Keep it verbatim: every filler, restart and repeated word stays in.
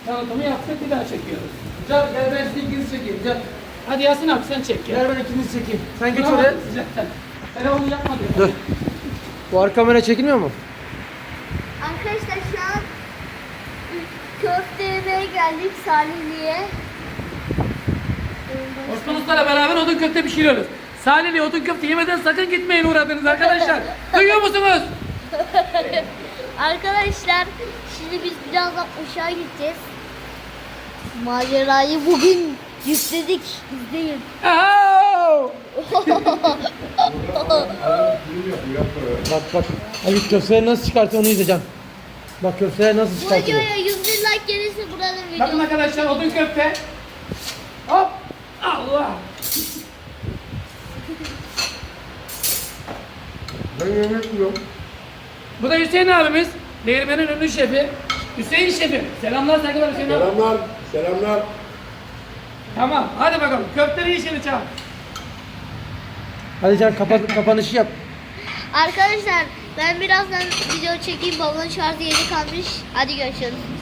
Tanıtımı yaptık, bir daha çekiyoruz. Gel, gel ben size ikinizi çekeyim. Gel. Hadi Yasin abi sen çek. Gel ben ikinizi çekeyim. Sen geç oraya. Telefonu yapma diyor. Dur. Bu arka kamera çekilmiyor mu? Arkadaşlar şu an köfte yemeye geldik Salihli'ye. Osman Usta'yla beraber odun köfte pişiriyoruz. Salihli odun köfte yemeden sakın gitmeyin uğradınız arkadaşlar. Duyuyor musunuz? Arkadaşlar şimdi biz birazdan aşağı gideceğiz. Macerayı bugün yükledik. İzleyin. Ahoo! Bak bak. Abi köfteleri nasıl çıkartıyor onu izleyeceğim. Bak köfteleri nasıl Bu çıkartıyor. videoya yüz bin like gelirse buranın Bakın videosu. arkadaşlar odun köfte. Hop! Allah! Ben yemek yiyorum. Bu da Hüseyin abimiz. Değirmenin ünlü şefi. Hüseyin şefim. Selamlar saygılar Hüseyin abi. Selamlar, selamlar. Tamam hadi bakalım. Köfteleri işini çal. Hadi can kapat, kapanışı yap. Arkadaşlar ben birazdan video çekeyim. Babamın şarjı yeni kalmış. Hadi görüşürüz.